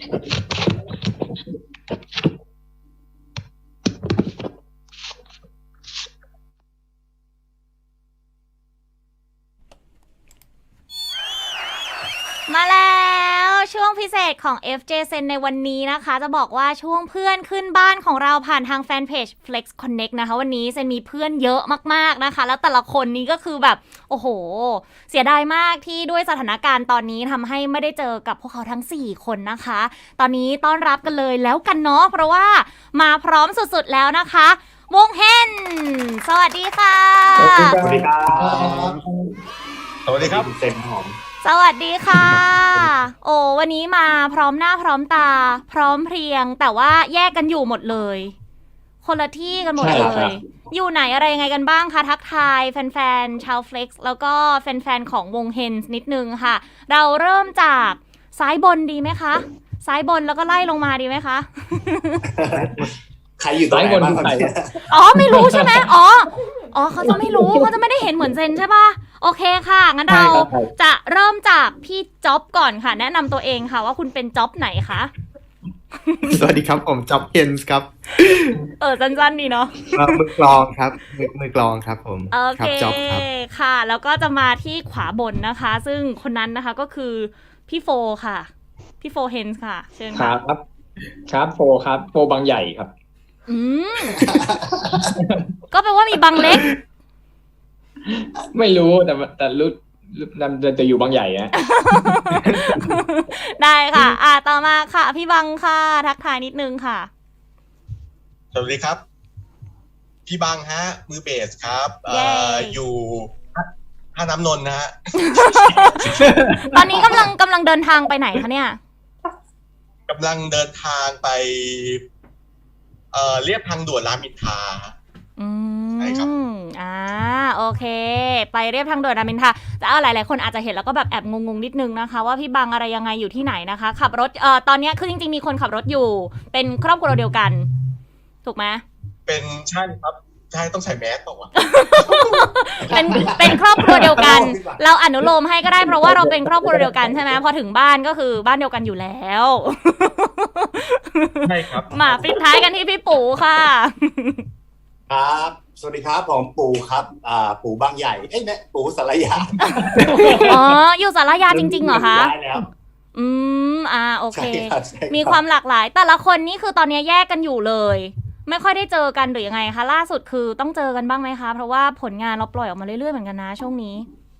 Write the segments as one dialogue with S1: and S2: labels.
S1: มาแล้วช่วงพิเศษของ FJ Sen ในวันนี้นะคะจะบอกว่าช่วงเพื่อนขึ้นบ้านของเราผ่านทางแฟนเพจ Flex Connect นะคะวันนี้เซนมีเพื่อนเยอะมากๆนะคะแล้วแต่ละคนนี้ก็คือแบบโอ้โหเสียดายมากที่ด้วยสถานการณ์ตอนนี้ทำให้ไม่ได้เจอกับพวกเขาทั้ง4คนนะคะตอนนี้ต้อนรับกันเลยแล้วกันเนาะเพราะว่ามาพร้อมสุดๆแล้วนะคะวงเฮนสวัสดีค่ะ
S2: สวัสดีครับสวัสดีครับเซนหอม
S1: สวัสดีค่ะโอ้วันนี้มาพร้อมหน้าพร้อมตาพร้อมเพรียงแต่ว่าแยกกันอยู่หมดเลยคนละที่กันหมดเลยอยู่ไหนอะไรยังไงกันบ้างคะทักทายแฟนๆชาว Flex แล้วก็แฟนๆของวงเฮนส์นิดนึงค่ะเราเริ่มจากซ้ายบนดีไหมคะซ้ายบนแล้วก็ไล่ลงมาดีไหมคะ
S2: ใครอยู่ตรงไหนบ้างครับ
S1: อ๋อไม่รู้ใช่ไหมอ๋อเขาจะไม่รู้เขาจะไม่ได้เห็นเหมือนเซนใช่ป่ะโอเคค่ะงั้นเราจะเริ่มจากพี่จ๊อบก่อนค่ะแนะนำตัวเองค่ะว่าคุณเป็นจ๊อบไหนคะ
S3: สวัสดีครับผมจ๊อบเฮนส์ครับ
S1: สั้นๆดีเนาะ
S3: มือกลองครับมือกลองครับผม
S1: โอเคจ๊อบครับค่ะแล้วก็จะมาที่ขวาบนนะคะซึ่งคนนั้นนะคะก็คือพี่โฟค่ะพี่โฟเฮนส์ค่ะเชิญค่ะ
S4: ครับโฟครับโฟบางใหญ่ครับ
S1: ก็แปลว่ามีบางเล็ก
S4: ไม่รู้แต่รู้จะอยู่บางใหญ่นะ
S1: ได้ค่ะต่อมาค่ะพี่บังค่ะทักทายนิดนึงค่ะ
S2: สวัสดีครับพี่บังฮะมือเบสครับอยู่ท่าน้ำนนท์นะฮะ
S1: ตอนนี้กำลังเดินทางไปไหนคะเนี่ย
S2: กำลังเดินทางไปเรียบทางด่วนรามอินทราใช่ครับ
S1: โอเคไปเรียบทางด่วนรามอินทราแต่หลายๆคนอาจจะเห็นแล้วก็แบบแอบงงๆนิดนึงนะคะว่าพี่บังอะไรยังไงอยู่ที่ไหนนะคะขับรถตอนนี้คือจริงๆมีคนขับรถอยู่เป็นครอบครัวเดียวกันถูกไหม
S2: เป็นใช่ครับใช่ต้องใส่แมสต่อวะ
S1: เป็นครอบครัวเดียวกันเราอนุโลมให้ก็ได้เพราะว่าเราเป็นครอบครัวเดียวกันใช่ไหมพอถึงบ้านก็คือบ้านเดียวกันอยู่แล้ว
S2: ใช่ครับ
S1: มาปิดท้ายกันที่พี่ปู่ค่ะ
S5: ครับสวัสดีครับผมปู่ครับปู่บางใหญ่เนี่ยปู่สารยา
S1: อยู่สารยาจริงๆเหรอคะโอเคมีความหลากหลายแต่ละคนนี่คือตอนนี้แยกกันอยู่เลยไม่ค่อยได้เจอกันหรือยังไงคะล่าสุดคือต้องเจอกันบ้างไหมคะเพราะว่าผลงานเราปล่อยออกมาเรื่อยๆเหมือนกันนะช่วงนี้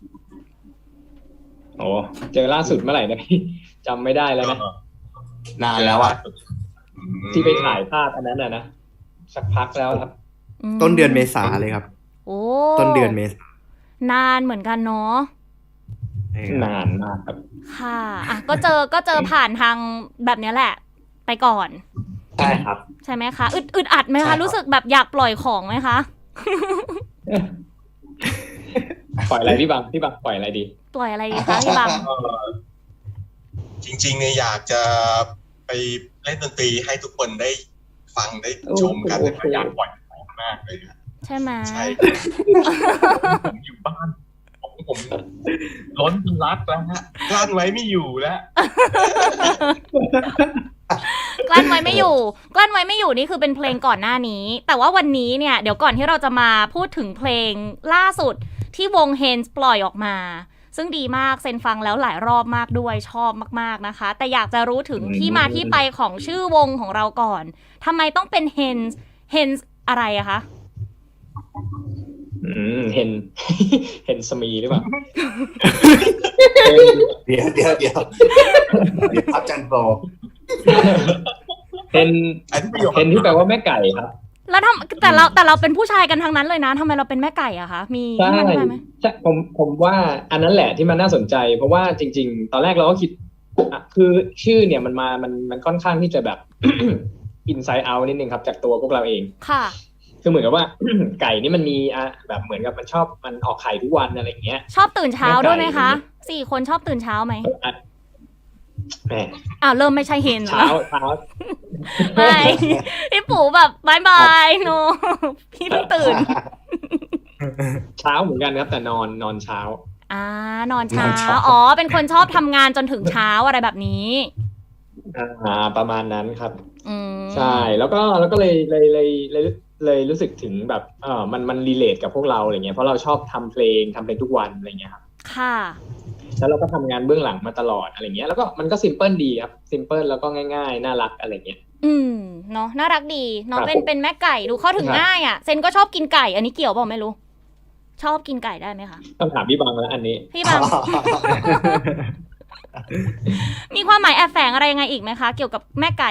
S4: โอ้เจอล่าสุดเมื่อไหร่นะพี่จำไม่ได้แล้วนะ
S5: นานแล้ว
S4: ที่ไปถ่ายภาพอันนั้นนะสักพักแล้วครับ
S3: ต้นเดือนเมษาเลยครับ
S1: โอ้
S3: ต้นเดือนเมษ
S1: านานเหมือนกันเนาะ
S4: นานมากครับ
S1: ค่ะก็เจอผ่านทางแบบนี้แหละไปก่อน
S5: ใช่ครับ
S1: ใช่ไหมคะอึดอัดไหมคะรู้สึกแบบอยากปล่อยของไหมคะ
S4: ปล่อยอะไรพี่บังปล่อยอะไรดี
S1: ปล่อยอะไรดีคะพี่บัง
S2: จริงๆเนี่ยอยากจะไปเล่นดนตรีให้ทุกคนได้ฟังได้ชมกันแต่อยากปล่อยของมากเลย
S1: ใช่ไหม
S2: ใช่ผมอยู่บ้านผมล้นรักแล้วฮะกลั้นไว้ไม่อยู่แล้ว
S1: กลั้นไว้ไม่อยู่นี่คือเป็นเพลงก่อนหน้านี้แต่ว่าวันนี้เนี่ยเดี๋ยวก่อนที่เราจะมาพูดถึงเพลงล่าสุดที่วงเฮนส์ปล่อยออกมาซึ่งดีมากเซนฟังแล้วหลายรอบมากด้วยชอบมากๆนะคะแต่อยากจะรู้ถึงที่มาที่ไปของชื่อวงของเราก่อนทำไมต้องเป็นเฮนส์อะไรอะคะ
S4: เห็นสมีหรือเปล่า
S5: เดี๋ยวครับจันโบ
S4: เห็นที่แปลว่าแม่ไก่ครับ
S1: แล้วแต่เราเป็นผู้ชายกันทั้งนั้นเลยนะทำไมเราเป็นแม่ไก่อะคะมีที่มาที่ไปไหม
S4: ใช่ผมว่าอันนั้นแหละที่มันน่าสนใจเพราะว่าจริงๆตอนแรกเราก็คิดคือชื่อเนี่ยมันค่อนข้างที่จะแบบ inside out นิดนึงครับจากตัวพวกเราเอง
S1: ค่ะ
S4: คือเหมือนกับว่า ไก่นี่มันมีแบบเหมือนกับมันออกไข่ทุกวันอะไรอย่างเงี้ย
S1: ชอบตื่นเช้าด้วยไหมคะ4 คนชอบตื่นเช้าไหมเริ่มไม่ใช่เห็น
S4: เช้า
S1: ไม่พี่ปู่แบบบายโนพี่ต้องตื่น
S4: เช้าเหมือนกันครับแต่นอนเช้าน
S1: อนเช้าเป็นคนชอบทำงานจนถึงเช้าอะไรแบบนี้
S4: ประมาณนั้นครับ
S1: อืม
S4: ใช่แล้วก็เลยรู้สึกถึงแบบมันรีเลทกับพวกเราอะไรเงี้ยเพราะเราชอบทำเพลงทุกวันอะไรเงี้ยครับ
S1: ค่ะ
S4: แล้วเราก็ทำงานเบื้องหลังมาตลอดอะไรเงี้ยแล้วก็มันก็ซิมเพิลดีครับซิมเพิลแล้วก็ง่ายๆน่ารักอะไรเงี้ย
S1: เนาะน่ารักดีน้อง
S4: ครับ
S1: เป็นแม่ไก่ดูเข้าถึง
S4: ครับ
S1: ง่ายอ่ะเซนก็ชอบกินไก่ อันนี้เกี่ยวเปล่าไม่รู้ ชอบกินไก่ได้ไหมคะ
S4: ต้องถามพี่บังแล้วอันนี้
S1: พี่บัง มีความหมายแอบแฝงอะไรยังไงอีกไหมคะ เกี่ยวกับแม่ไก่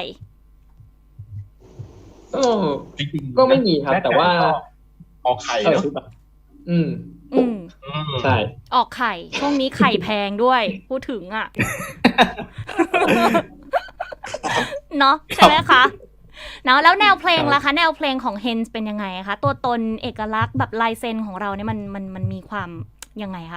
S2: จริงๆ
S4: ก็ไม่มีครับ แต่ว่า
S2: ออกไข่เนาะ
S4: อืม
S1: อืม
S4: ใช่
S1: ออกไข่ ช่วงนี้ไข่แพงด้วย พูดถึงอ่ะ เนาะใช่ไหมคะเนาะแล้วแนวเพลงล่ะคะ แนวเพลงของ Hens เป็นยังไงคะ ตัวตนเอกลักษณ์แบบลายเซ็นของเราเนี่ยมันมีความยังไงคะ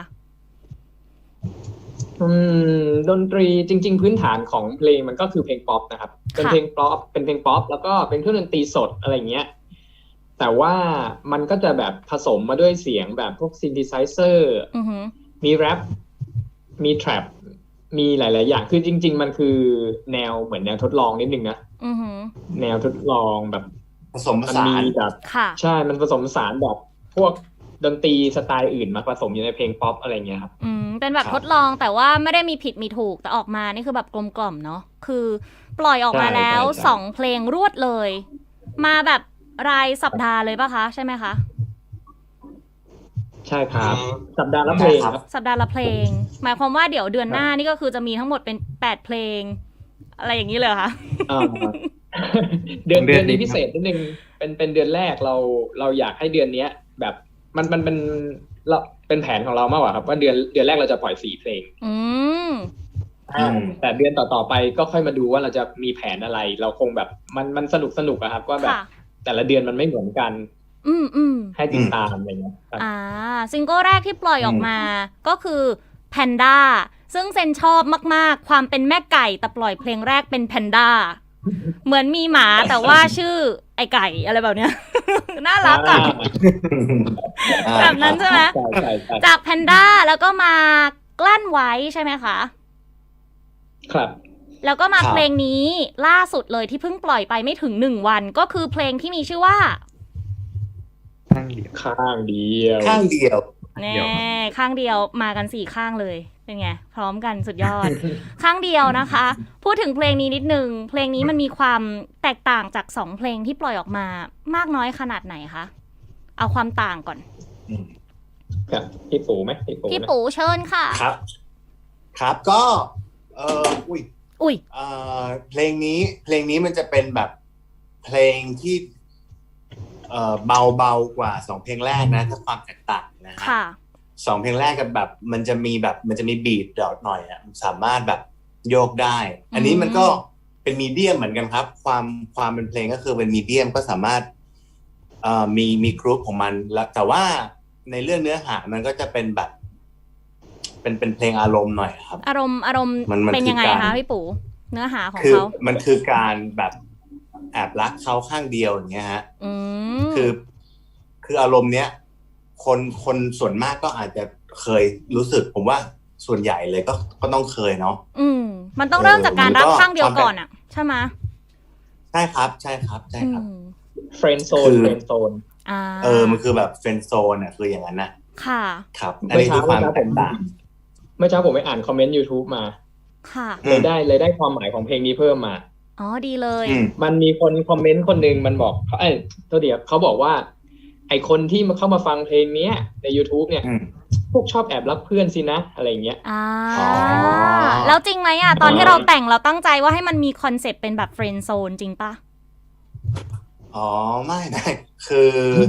S4: ดนตรีจริง ๆ พื้นฐานของเพลงมันก็คือเพลงป๊อปนะครับเป็นเพลงป๊อปแล้วก็เป็นเครื่องดนตรีสดอะไรเงี้ยแต่ว่ามันก็จะแบบผสมมาด้วยเสียงแบบพวกซินธิไซเซอร์
S1: อือหือ
S4: มีแรปมีแทร็ปมีหลายๆอย่างคือจริง ๆ มันคือแนวเหมือนแนวทดลองนิดนึงนะ
S1: อือหือ
S4: แนวทดลองแบบ
S5: ผสมผ
S4: มัน
S5: สา
S4: มี
S5: น
S4: แบบ
S1: ค่ะ
S4: ใช่มันผสมผสานแบบพวกดนตรีสไตล์อื่นมาผสมอยู่ในเพลงป๊อปอะไรเงี้ยครับ
S1: เป็นแบบ
S5: ครับ
S1: ทดลองแต่ว่าไม่ได้มีผิดมีถูกแต่ออกมานี่คือแบบกลมกล่อมเนาะคือปล่อยออกมาแล้ว
S4: ใช่
S1: 2 เพลงรวดเลย มาแบบรายสัปดาห์เลยป่ะคะ ใช่ไหมคะ
S4: ใช่ครับสัปดาห์ละเพลงครับ
S1: สัปดาห์ละเพลง หมายความว่าเดี๋ยวเดือนหน้านี่ก็คือจะมีทั้งหมดเป็น8เพลง อะไรอย่างนี้เลยเหรอคะ
S4: อ่า เดือน
S3: เดือนนี้
S4: นี้พิเศษนิดนึงเป็นเดือนแรกเราอยากให้เดือนเนี้ย แบบมันเป็นเราเป็นแผนของเรามากกว่าครับว่าเดือนแรกเราจะปล่อย4เพลง
S1: อืม
S4: แต่เดือนต่อไปก็ค่อยมาดูว่าเราจะมีแผนอะไร เราคงแบบมันสนุกอะครับว่าแบบ
S1: ค่ะ
S4: แต่ละเดือนมันไม่เหมือนกัน
S1: อืม
S4: ให้ติดตามอะไรเงี้ยครับ
S1: ซิงเกิลแรกที่ปล่อยออกมาก็คือแพนด้าซึ่งเซนชอบมากๆ ความเป็นแม่ไก่แต่ปล่อยเพลงแรกเป็นแพนด้าเหมือนมีหมาแต่ว่าชื่อไอไก่อะไรแบบเนี้ย น่ารักอะแบบนั้นใช่ไหม
S4: ใช่
S1: จากแพนด้าแล้วก็มากลั้นไว้ใช่ไหมคะ
S4: ครับ
S1: แล้วก็มา
S5: ครับ
S1: เพลงนี้ล่าสุดเลยที่เพิ่งปล่อยไปไม่ถึง1 วันก็คือเพลงที่มีชื่อว่า
S3: ข้างเดียว
S4: ข้างเดียว
S5: ข้างเดียว
S1: แน่ข้างเดียวมากัน4ข้างเลยเป็นไงพร้อมกันสุดยอด ข้างเดียวนะคะ พูดถึงเพลงนี้นิดนึงเพลงนี้มันมีความแตกต่างจาก2เพลงที่ปล่อยออกมามากน้อยขนาดไหนคะเอาความต่างก่อน
S4: ครับพี่ปูไหมพี่ปู
S1: พี่
S4: นะ
S1: ปูเชิญค่ะ
S5: ครับ ครับก็อุ้ย
S1: อุ้ย
S5: เพลงนี้มันจะเป็นแบบเพลงที่เบากว่า2เพลงแรกนะถ้าความแตกต่างนะฮะ
S1: ค่ะ
S5: 2เพลงแรกกับแบบมันจะมีบีทดอทหน่อยอ่ะสามารถแบบโยกได้ อันนี้มันก็เป็นมีเดียมเหมือนกันครับ ความเป็นเพลงก็คือเป็นมีเดียมก็สามารถมีกรุ๊ปของมันแล้วแต่ว่าในเรื่องเนื้อหามันก็จะเป็นแบบเป็นเพลงอารมณ์หน่อยครับ
S1: อารมณ์
S5: มัน
S1: เป็นยังไง
S5: คือ
S1: คะ
S5: การ
S1: พี่ปูเนื้อหาของ
S5: คือ
S1: เขา
S5: มันคือการแบบแอบรักเขาข้างเดียวอย่างเงี้ยฮะ
S1: อืม
S5: คืออารมณ์เนี้ยคนส่วนมากก็อาจจะเคยรู้สึกผมว่าส่วนใหญ่เลยก็ต้องเคยเนาะ
S1: มันต้องเริ่มจากการรัก
S5: มันก็
S1: ข้างเดียวก่อนอ่ะใช่ไหม
S5: ใช่ครับใช่ครับ
S4: เฟรนด์โซน
S5: คือ
S4: เฟรนด์โซน
S5: มันคือแบบเฟรนด์โซนอ่ะคืออย่างนั้นนะ
S1: ค่ะ
S5: ครับอันนี้คือความแตกต่าง
S4: เมื่อเช้าผมไปอ่านคอมเมนต์ YouTube มา
S1: ค่ะ
S4: เลยได้ความหมายของเพลงนี้เพิ่มมา
S1: อ๋อดีเลย
S4: มันมีคนคอมเมนต์คนหนึ่งมันบอกตัวเดียวเขาบอกว่า ไอคนที่มาเข้ามาฟังเพลงเนี้ยใน YouTube เนี่ย พวกชอบแอบรักเพื่อนสินะอะไรเงี้ย
S5: อ๋อ
S1: แล้วจริงไหมอ่ะ ตอนที่เราแต่งเราตั้งใจว่าให้มันมีคอนเซปต์เป็นแบบเฟรนด์โซนจริงปะ
S5: อ๋อไม่คือ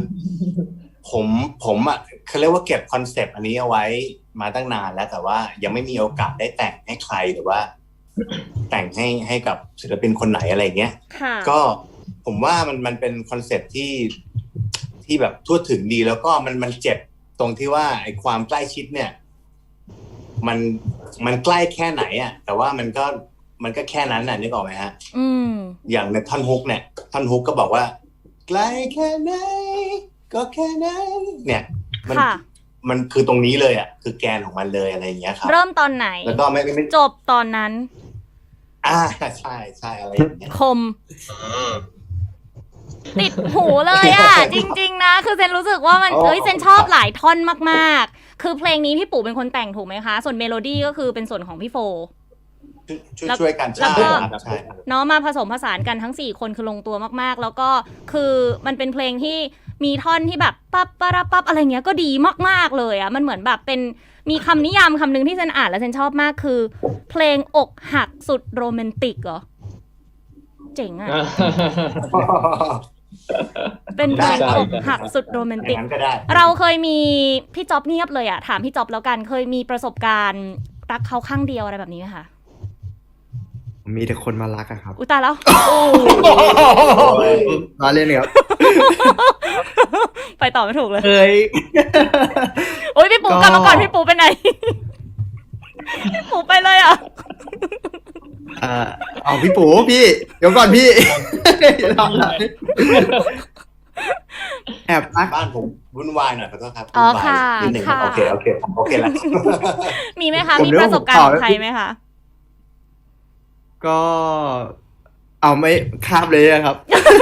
S5: ผมอ่ะเขาเรียกว่าเก็บคอนเซปต์อันนี้เอาไว้มาตั้งนานแล้วแต่ว่ายังไม่มีโอกาสได้แต่งให้ใครหรือว่า แต่งให้กับศิลปินคนไหนอะไรเงี้ย
S1: ค่ะ
S5: ก็ผมว่ามันเป็นคอนเซปต์ที่แบบทั่วถึงดีแล้วก็มันเจ็บตรงที่ว่าไอ้ความใกล้ชิดเนี่ย มันใกล้แค่ไหนอ่ะแต่ว่ามันก็แค่นั้นน่ะนึกออกไหมฮะ อย่างในท่อนฮุกเนี่ยท่อนฮุกก็บอกว่าไกลแค่ไหนก็แค่นั้นเนี่ยมันคือตรงนี้เลยอ่ะคือแกนของมันเลยอะไรอย่างเงี้ยครับ
S1: เริ่มตอนไหน
S5: แล้วก็ไม่
S1: จบตอนนั้น
S5: ใช่ใช่อะไรอย่างเงี้ย
S1: คม
S2: อืม
S1: ติดหูเลยอ่ะ จริงๆนะ คือเซนรู้สึกว่ามันเซนชอบหลายท่อนมากๆ คือเพลงนี้พี่ปู่เป็นคนแต่งถูกไหมคะ ส่วนเมโลดี้ก็คือเป็นส่วนของพี่โฟ
S5: ช่วยกัน
S1: แล้ว
S5: ใช่
S1: ก็
S5: ครับใช่ครับ
S1: เนาะมาผสมผสานกันทั้ง4คนคือลงตัวมากๆ แล้วก็คือมันเป็นเพลงที่มีท่อนที่แบบปั๊บปะระปั๊บอะไรเงี้ยก็ดีมากๆเลยอ่ะมันเหมือนแบบเป็นมีคำนิยามคำหนึ่งที่เซนอ่านแล้วเซนชอบมากคือ เพลงอกหักสุดโรแมนติกเหรอเจ๋งอ่ะ เป็นเพลงอกหักสุดโรแมน
S5: อ
S1: ติ
S5: ย่าก งนั้นก็ได้
S1: เราเคยมีพี่จ๊อบเงียบเลยอ่ะถามพี่จ๊อบแล้วกันเคยมีประสบการณ์รักเขาข้างเดียวอะไรแบบนี้ไหมคะ
S3: มีแต่คนมารักอะครับ
S1: อุยตายแล้ว
S3: มาเล่นครับ
S1: ไปต่อไม่ถูกเลย
S3: เอ้ย
S1: โอ้ยพี่ปู
S3: ก็
S1: กลับมาก่อนพี่ปูไปไหน พี่ปูไปเลยอ่ะ
S3: เอาพี่ปู่พี่เดี๋ยวก่อนพี่ แอบรัก
S5: บ้านผมวุ่นวายหน่อยขอโทษครับ
S1: อ๋อ
S5: วุ่นวาย
S1: ค่ะ
S5: นิดหนึ่ง
S1: ค่ะ
S5: โอเคแล้ว
S1: มีไหมคะมีประสบการณ์ของใครไหมคะ
S3: ก็เอาไม่ข้ามเลยอะครับ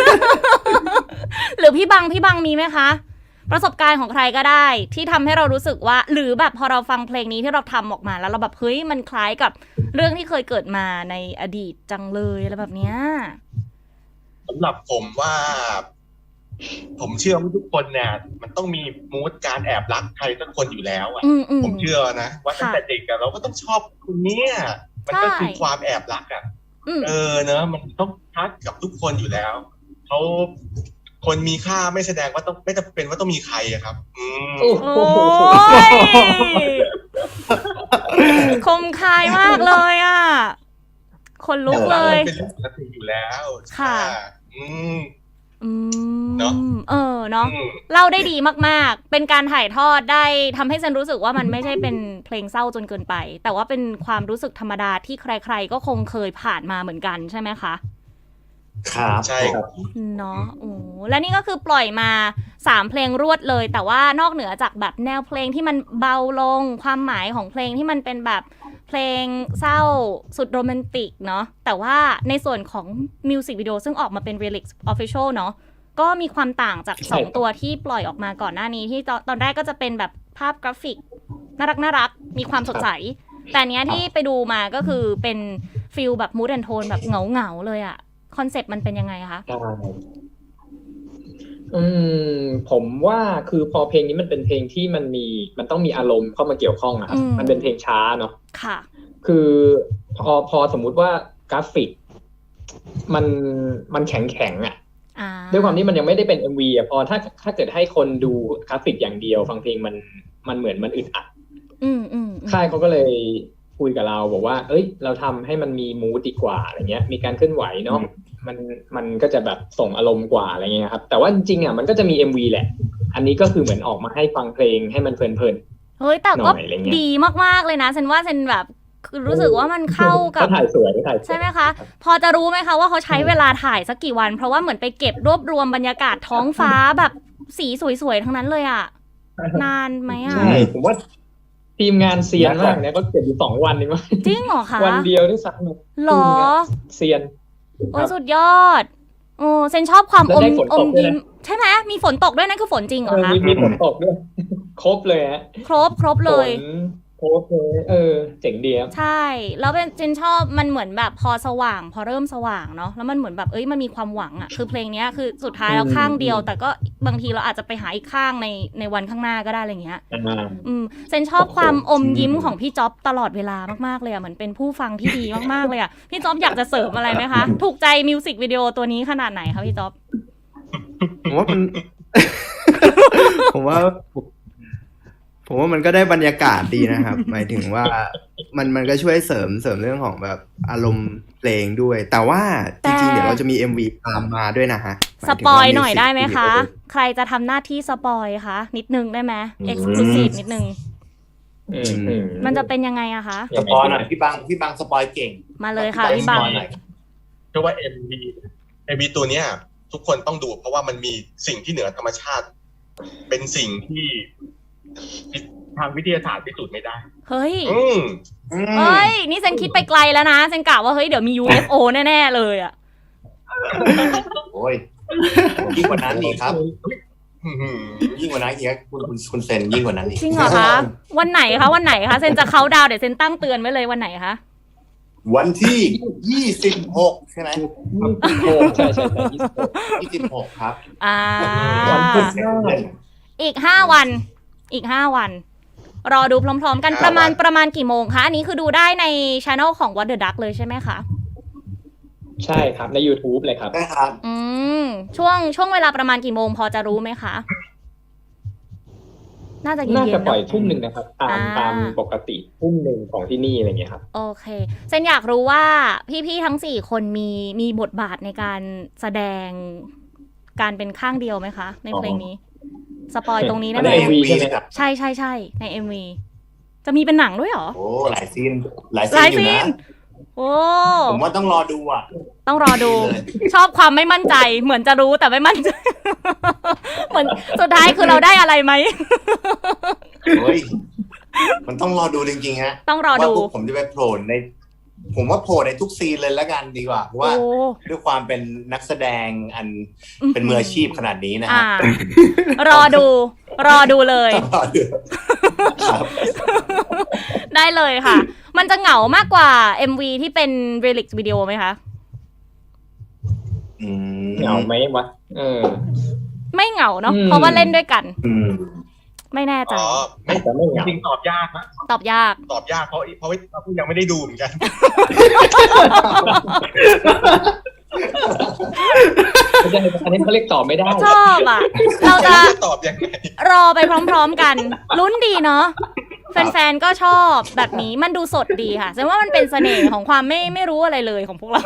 S1: หรือพี่บังมีไหมคะ ประสบการณ์ของใครก็ได้ ที่ทำให้เรารู้สึกว่า หรือแบบพอเราฟังเพลงนี้ที่เราทำออกมาแล้วเราแบบเฮ้ยมันคล้ายกับเรื่องที่เคยเกิดมาในอดีตจังเลยอะไรแบบเนี้ย
S2: สำหรับผมว่า ผมเชื่อว่าทุกคนเนี่ยมันต้องมีมูดการแอบรักใครสักคนอยู่แล้วอ่ะ
S1: อืม
S2: ผมเชื่อนะว่าตั้งแต่เด็กอะเราก็ต้องชอบคนเนี้ยมันก็คือ
S1: ใช่
S2: ความแอบรักอ่ะ
S1: อืม
S2: เนอะมันต้องทักกับทุกคนอยู่แล้วเขาคนมีค่าไม่แสดงว่าต้องไม่จำเป็นว่าต้องมีใครอะครับ
S4: โอ้
S1: โอ้ยคมคายมากเลยอ่ะ คนลุกเลย
S2: เป็นเรื่องปกติอยู่แล้ว
S1: ค่ะ
S2: อืม
S1: อืม
S2: เนอะ
S1: เนาะ
S2: อืม
S1: เล่าได้ดีมากๆ เป็นการถ่ายทอดได้ทำให้ฉันรู้สึกว่ามันไม่ใช่เป็นเพลงเศร้าจนเกินไป แต่ว่าเป็นความรู้สึกธรรมดาที่ใครๆก็คงเคยผ่านมาเหมือนกันใช่ไหมคะ
S5: ครับ
S2: ใช่ครับ
S1: เนาะโอ้และนี่ก็คือปล่อยมา3เพลงรวดเลย แต่ว่านอกเหนือจากแบบแนวเพลงที่มันเบาลงความหมายของเพลงที่มันเป็นแบบเพลงเศร้าสุดโรแมนติกเนาะแต่ว่าในส่วนของมิวสิกวิดีโอซึ่งออกมาเป็น Relix Official เนาะก็มีความต่างจาก2ตัวที่ปล่อยออกมาก่อนหน้านี้ที่ตอนแรกก็จะเป็นแบบภาพกราฟิกน่ารักมีความสดใส แต่อันเนี้ยที่ไปดูมาก็คือเป็นฟิลแบบมูดแอนโทนแบบเหงาเลยอะคอนเซปต์มันเป็นยังไงคะ
S4: ใช่ผมว่าคือพอเพลงนี้มันเป็นเพลงที่มันต้องมีอารมณ์เข้ามาเกี่ยวข้องอะครับ มันเป็นเพลงช้าเนาะ
S1: ค่ะ
S4: คือพอสมมุติว่ากราฟิกมันแข็งอ่ะ ด้วยความที่มันยังไม่ได้เป็น MV อ่ะพอถ้าเกิดให้คนดูกราฟิกอย่างเดียวฟังเพลงมันเหมือนมันอึดอัดค่ายเขาก็เลยคุยกับเราบอกว่าเอ้ยเราทำให้มันมีมูดดีกว่าอะไรเงี้ยมีการเคลื่อนไหวเนาะมันก็จะแบบส่งอารมณ์กว่าอะไรเงี้ยครับแต่ว่าจริงๆอ่ะมันก็จะมี MV แหละอันนี้ก็คือเหมือนออกมาให้ฟังเพลงให้มันเพลินๆ
S1: เฮ้ยแต่ก็ดีมากๆเลยนะฉันว่าฉันแบบคือรู้สึกว่ามันเข้ากับ
S4: ถ่ายสวย
S1: ใช่ไหมคะพอจะรู้ไหมคะว่าเขาใช้เวลาถ่ายสักกี่วันเพราะว่าเหมือนไปเก็บรวบรวมบรรยากาศท้องฟ้าแบบสีสวยๆทั้งนั้นเลยอ่ะนานไหมอ่ะ
S4: ใช่ผมว่าทีมงานเซียนมากเนี่ยก็เก็บอยู่2 วันเองมั้ง
S1: จริงเหรอคะ
S4: วันเดียวได้สัก
S1: หรอ
S4: เซียน
S1: โอ้สุดยอดโอ้เซนชอบความอมยิ้มใช่ไหมมีฝนตกด้วยนั่นคือฝนจริงเหรอคะ
S4: มีฝนตกด้วยครบเลยฮะ
S1: ครบเลย
S4: โพสเลยเจ๋งดีครับ
S1: ใช่แล้วเป็นเจนชอบมันเหมือนแบบพอสว่างพอเริ่มสว่างเนาะแล้วมันเหมือนแบบมันมีความหวังอ่ะคือเพลงนี้คือสุดท้ายแล้วข้างเดียวแต่ก็บางทีเราอาจจะไปหาอีกข้างในวันข้างหน้าก็ได้อะไรเงี้ยเจนชอบความอมยิ้มของพี่จ๊อบตลอดเวลามากๆเลยอ่ะเหมือนเป็นผู้ฟังที่ดีมากๆเลยอ่ะพี่จ๊อบอยากจะเสริมอะไรไหมคะถูกใจมิวสิกวิดีโอตัวนี้ขนาดไหนคะพี่จ๊อบ
S3: ผมว่ามัน ผมว่ามันก็ได้บรรยากาศดีนะครับ หมายถึงว่ามันก็ช่วยเสริมเรื่องของแบบอารมณ์เพลงด้วยแต่ว่าจริงๆเดี๋ยวเราจะมี MV ตามมาด้วยนะฮะ
S1: สปอยหน่อยได้ไหมคะใครจะทำหน้าที่สปอยคะนิดนึงได้ไหม Exclusive นิดนึงมันจะเป็นยังไงอะคะ
S5: สปอยหน่อยพี่บังสปอยเก่ง
S1: มาเลยค่ะพี่บัง
S2: เพราะว่า MV ตัวเนี้ยทุกคนต้องดูเพราะว่ามันมีสิ่งที่เหนือธรรมชาติเป็นสิ่งที่
S6: ทางวิทยาศาสตร์พิสูจน์ไม่ได้
S1: เฮ้ย
S2: อืม
S1: นี่เซนคิดไปไกลแล้วนะเซนกะว่าเฮ้ยเดี๋ยวมี UFO แน่ๆเลยอ่ะ
S5: โอ้ยยิ่งกว่านั้นอีกครับ
S2: อื้อหือ
S5: ยิ่งกว่านั้นอีกครับคุณเซนยิ่งกว่านั้นอีก
S1: จริงเหรอคะ วันไหนคะเซนจะเขาน์ดาวน์เดี๋ยวเซนตั้งเตือนไว้เลยวันไหนคะ
S5: วันที่26ใช่ไหม
S4: ใช่
S5: 26ครับ
S4: วันพุธหน้า
S1: อีก5 วัน รอดูพร้อมๆกันประมาณกี่โมงคะ อันนี้คือดูได้ในช anel ของ What the Duck เลยใช่ไหมคะ
S4: ใช่ครับใน YouTube เลยครับ
S5: ได้ครับ
S1: ช่วงเวลาประมาณกี่โมงพอจะรู้ไหมคะ น่าจะเย็นๆ
S4: น่าจะปล่อย
S1: เนอะ
S4: ทุ่มหนึ่งนะครับ ตามปกติทุ่มหนึ่งของที่นี่อะไรเงี้ยครับ
S1: โอเคเซนอยากรู้ว่าพี่ๆทั้ง4คนมีบทบาทในการแสดงการเป็นข้างเดียวไหมคะ ในเพลงนี้ สปอยตรงนี้ได้ไหม
S4: ใน MV ใช่ไหมครับ
S1: ใช่ใน MV จะมีเป็นหนังด้วยเหรอ
S5: โอ้หลายซีนอยู่นะ
S1: โอ้
S5: ผมว่าต้องรอดูอ่ะ
S1: ต้องรอดู
S5: เลย
S1: ชอบความไม่มั่นใจ เหมือนจะรู้แต่ไม่มั่นใจ เหมือนสุดท้ายคือเราได้อะไรไหม
S5: เฮ้ยมันต้องรอดูจริงๆฮะ
S1: ต้องรอดู
S5: ว่าพวกผมจะไปโผล่ใน ผมว่าโผล่ในทุกซีนเลยแล้วกันดีกว่าเพราะว่า
S1: โอ้
S5: ด้วยความเป็นนักแสดงอันเป็นมืออาชีพขนาดนี้นะฮะ
S1: รอดูเลย
S5: ต้องรอดูครับ
S1: ได้เลยค่ะ มันจะเหงามากกว่า MV ที่เป็น Relic วิดีโอไหมคะ
S4: เหงาไหมวะ
S1: ไม่เหงาเนาะ
S4: อืม
S1: เพราะว่าเล่นด้วยกัน
S5: อืม
S1: ไม่แน่ใจ
S2: อ๋อ
S4: อาจจะไม่เหงา
S6: จริงๆตอบยากนะ
S1: ตอบยาก
S2: ตอบยากเพราะเรายังไม่ได้ดูเหมือนกัน
S4: ไม่ใช่อันนี้เขาเรียกตอบไม่ได้
S1: ชอบอ่ะ เราจะ
S2: ตอบยังไง
S1: รอไปพร้อมๆกัน ลุ้นดีเนาะ แฟนๆ ก็ชอบแบบนี้ มันดูสดดีค่ะแสดงว่ามันเป็นเสน่ห์ของความไม่รู้อะไรเลยของพวกเรา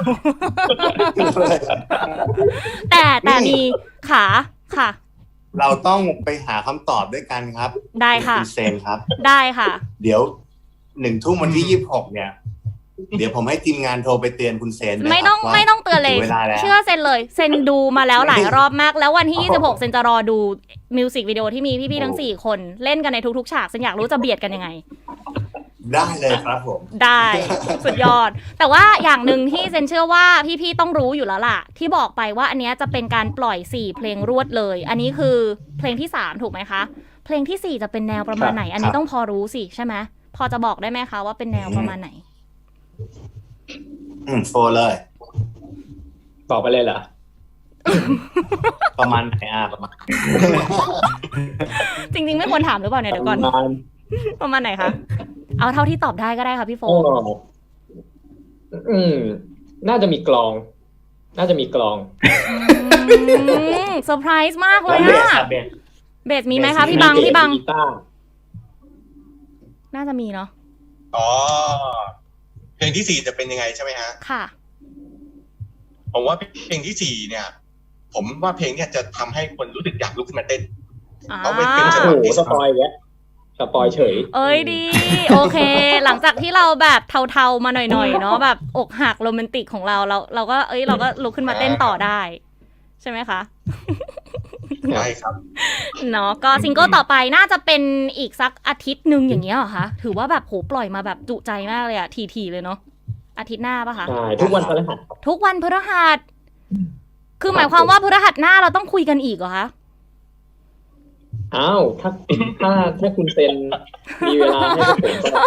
S1: แต่มีค่ะ
S5: เราต้องไปหาคำตอบด้วยกันครับ
S1: ได้ค่ะ
S5: ณเซนครับ
S1: ได้ค่ะ
S5: เดี๋ยว1 ทุ่มวันที่ 26เนี่ย เดี๋ยวผมให้ทีมงานโทรไปเตือนคุณเซนนะครับ
S1: ไม่ต้องเตือนเลย
S5: ถึงเวลาแล้ว
S1: เชื่อเซนเลย เซนดูมาแล้วหลายรอบมาก แล้ววันที่ 26 เซนจะรอดูมิวสิกวิดีโอที่มีพี่ๆ ทั้ง 4 คนเล่นกันในทุกๆ ฉาก เซนอยากรู้จะเบียดกันยังไง
S5: ได้เลยครับผม
S1: ได้ สุดยอด แต่ว่าอย่างหนึ่งที่เซนเชื่อว่าพี่ๆ ต้องรู้อยู่แล้วล่ะ ที่บอกไปว่าอันเนี้ยจะเป็นการปล่อย4เพลงรวดเลย อันนี้คือเพลงที่3ถูกไหมคะ เพลงที่4จะเป็นแนวประมาณไหน อันนี้ต้องพอรู้สิใช่ไหมพอจะบอกได้ไหมคะว่าเป็นแนวประมาณไหน
S5: โฟเลย
S4: ตอบไปเลยเหรอ
S5: ประมาณไหนประมาณ
S1: จริงๆ ไม่ควรถามหรือเปล่าเนี่ยเดี๋ยวก่อน ประมาณไหนคะ เอาเท่าที่ตอบได้ก็ได้ค่ะพี่โฟ
S4: น่าจะมีกลอง
S1: เซอร์ไพรส์มากเลย
S5: เบส
S1: อะ
S5: ครับเบส
S1: เบสมีไหมคะพี่บัง
S4: กีตาร์
S1: น่าจะมีเนาะ
S2: อ๋อ เพลงที่4จะเป็นยังไงใช่ไหมฮะ
S1: ค่ะ
S2: ผมว่าเพลงที่4เนี่ย ผมว่าเพลงเนี่ยจะทำให้คนรู้สึกอยากลุกขึ้นมาเต้น เอาไว้เป็นจังห
S4: โอ้
S2: วะ
S4: โหสปอยล์แกสปอยเฉย
S1: เอ้ยดี โอเค หลังจากที่เราแบบเทาๆมาหน่อยๆเนาะแบบอกหักโรแมนติกของเราก็ลุกขึ้นมาเต้นต่อได้ ใช่ไหมคะ
S2: ใช่ครับ
S1: เนาะก็ซิงเกิลต่อไปน่าจะเป็นอีกสักอาทิตย์หนึ่งอย่างเงี้ยเหรอคะถือว่าแบบโหปล่อยมาแบบจุใจมากเลยอะทีๆเลยเนาะอาทิตย์หน้าปะคะ
S4: ใช่ทุกวันพฤหัส
S1: ทุกวันพฤหัสคือหมายความว่าพฤหัสหน้าเราต้องคุยกันอีกเหรอคะ
S4: อ้าวถ้าคุณเซนมีเวลาให้ผมก็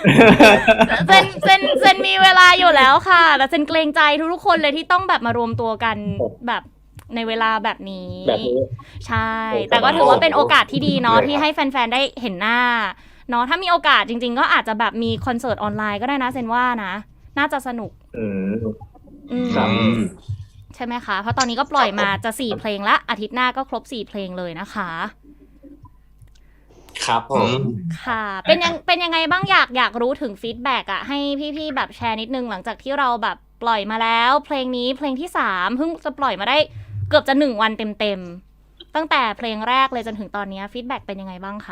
S1: เซนมีเวลาอยู่แล้วค่ะแต่เซนเกรงใจทุกๆคนเลยที่ต้องแบบมารวมตัวกันแบบในเวลาแบบนี้
S4: แบบนี้
S1: ใช่ แต่ก็ถือว่าเป็นโอกาสที่ดีเนาะที่ให้แฟนๆได้เห็นหน้าเนาะถ้ามีโอกาสจริงๆก็อาจจะแบบมีคอนเสิร์ตออนไลน์ก็ได้นะเซนว่านะน่าจะสนุก
S4: ครับ
S1: ใช่ไหมคะเพราะตอนนี้ก็ปล่อยมาจะ4เพลงละอาทิตย์หน้าก็ครบ4เพลงเลยนะคะ
S5: ครับผม
S1: ค่ะเป็นยังไงบ้างอยากรู้ถึงฟีดแบ็กอะให้พี่ๆแบบแชร์นิดนึงหลังจากที่เราแบบปล่อยมาแล้วเพลงนี้เพลงที่3เพิ่งจะปล่อยมาได้เกือบจะ1 วันเต็มๆตั้งแต่เพลงแรกเลยจนถึงตอนนี้ฟีดแบ็กเป็นยังไงบ้างคะ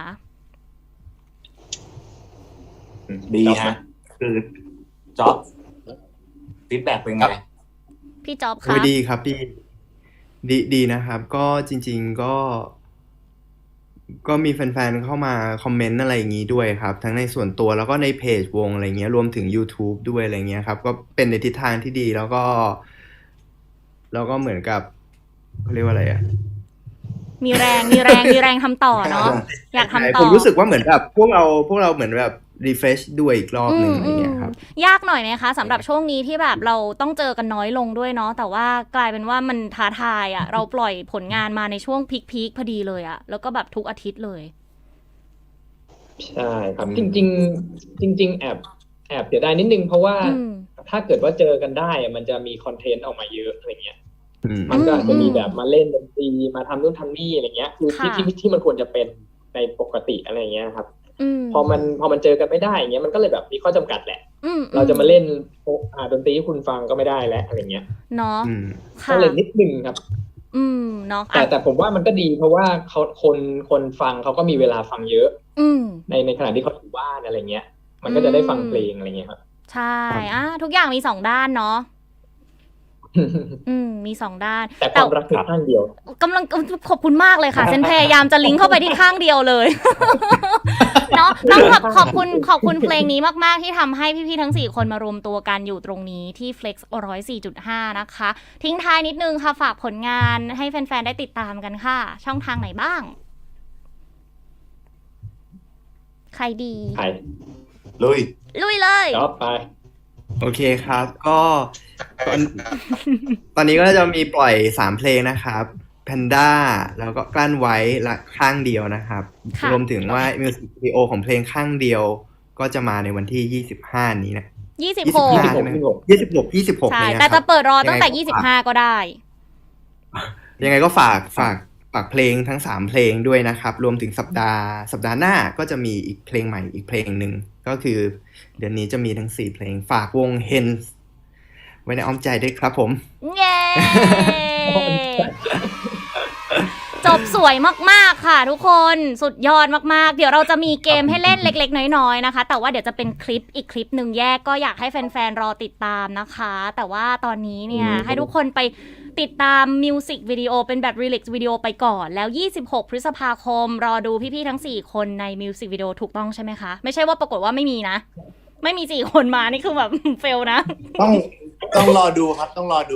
S5: ดีฮะคือจ็อบฟีดแบ็กเป็นไง
S1: พี่จ๊อบ
S3: โอ้
S1: คะ
S3: ยดีครับดีนะครับ ก็จริงๆก็ก็มีแฟนๆเข้ามาคอมเมนต์อะไรอย่างนี้ด้วยครับ ทั้งในส่วนตัวแล้วก็ในเพจวงอะไรเงี้ยรวมถึง YouTube ด้วยอะไรเงี้ยครับ ก็เป็นในทิศทางที่ดีแล้วก็เหมือนกับเขาเรียกว่าอะไรอ่ะ
S1: มีแรงทำต่อเนาะอยากทำต่อ
S3: ผมรู้สึกว่าเหมือนแบบพวกเราเหมือนแบบรีเฟรชด้วยอีกรอบหนึ่งอะไรเงี้ยครับ
S1: ยากหน่อยไหมคะสำหรับช่วงนี้ที่แบบเราต้องเจอกันน้อยลงด้วยเนาะแต่ว่ากลายเป็นว่ามันท้าทายอ่ะเราปล่อยผลงานมาในช่วงพีคพอดีเลยอ่ะแล้วก็แบบทุกอาทิตย์เลย
S4: ใช่ครับจริงแอบเสียดายนิดนึงเพราะว่า
S1: อืม
S4: ถ้าเกิดว่าเจอกันได้อะมันจะมีคอนเทนต์ออกมาเยอะอะไรเงี้ย
S3: อืม
S4: มันก็อาจจะมีแบบมาเล่นดนตรีมาทำนู่นทำนี่อะไรเงี้ยคือที่
S1: ค่ะ
S4: ที่มันควรจะเป็นในปกติอะไรเงี้ยครับ
S1: อืม
S4: พอมันเจอกันไม่ได้อย่างเงี้ยมันก็เลยแบบมีข้อจำกัดแหละ
S1: อืม
S4: เราจะมาเล่นดนตรีที่คุณฟังก็ไม่ได้แล้วอะไรเงี้ย
S1: เนาะ
S3: อืม
S1: ค่ะ
S4: ก็เลยนิดนึงครับ
S1: เนาะ
S4: แต่ผมว่ามันก็ดีเพราะว่าเขาคนฟังเขาก็มีเวลาฟังเยอะ
S1: อืม
S4: ในขณะที่เขาอยู่บ้านอะไรเงี้ย มันก็จะได้ฟังเพลงอะไรเงี้ยครับ
S1: ใช่ทุกอย่างมี2ด้านเนาะมี2ด้าน
S4: แต่ความรักคือข้างเดียว
S1: กำลังขอบคุณมากเลยค่ะเซนพยายามจะลิงก์เข้าไปที่ข้างเดียวเลย เนาะต้องขอบคุณเพลงนี้มากๆที่ทำให้พี่ๆทั้ง4คนมารวมตัวกันอยู่ตรงนี้ที่ Flex 104.5 นะคะ ทิ้งท้ายนิดนึงค่ะฝากผลงานให้แฟนๆได้ติดตามกันค่ะ ช่องทางไหนบ้าง ใครดี
S4: ไป
S5: ลุย
S1: ลุยเลย
S4: จอบไป
S3: โอเคครับ ก็ตอนนี้ก็จะมีปล่อย3เพลงนะครับ Panda แล้วก็กลั้นไว้และข้างเดียวนะครับ
S1: ค่ะ
S3: รวมถึงว่ามิวสิกวิดีโอของเพลงข้างเดียว ก็จะมาในวันที่25นี้นะ
S1: 26
S3: ใช่ไหม 26
S1: ใช่
S3: นี้นะครับ
S1: แต่จะเปิดรอตั้งแต่
S3: ยังไงก็ฝาก
S1: 25 ก็ได้
S3: ยังไงก็ฝากเพลงทั้ง3เพลงด้วยนะครับ รวมถึงสัปดาห์หน้าก็จะมีอีกเพลงใหม่อีกเพลงหนึ่งก็คือเดือนนี้จะมีทั้ง4เพลงฝากวง Hens ไว้ในอ้อมใจด้วยครับผม
S1: เย้ จบสวยมากๆค่ะทุกคนสุดยอดมากๆเดี๋ยวเราจะมีเกมให้เล่นเล็กๆน้อยๆนะคะแต่ว่าเดี๋ยวจะเป็นคลิปอีกคลิปหนึ่งแยกก็อยากให้แฟนๆรอติดตามนะคะแต่ว่าตอนนี้เนี่ยให้ทุกคนไปติดตามมิวสิกวิดีโอเป็นแบบรีลิกซ์วิดีโอไปก่อนแล้ว26 พฤษภาคมรอดูพี่ๆทั้ง4คนในมิวสิกวิดีโอถูกต้องใช่ไหมคะไม่ใช่ว่าปรากฏว่าไม่มีนะไม่มี4คนมานี่คือแบบ เฟลนะ
S5: ต้องรอดูครับ ต้องรอดู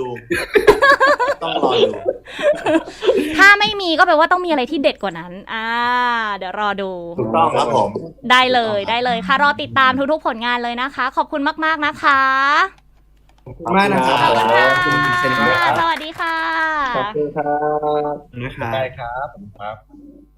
S1: ถ้าไม่มีก็แปลว่าต้องมีอะไรที่เด็ดกว่านั้นเดี๋ยวรอดู
S5: ถูกต้องครับผม
S1: ได้เลยค่ะรอติดตามทุกๆผลงานเลยนะคะ ขอบคุณมากๆนะคะ
S3: ขอบคุณมากนะครับ
S1: ขอบคุณค่ะ
S3: ขอบคุณเซนด้วยครับ
S1: สวัสดีค่ะ
S4: ขอบคุณครับ
S3: นะครับ
S6: ได้ครับผมครับ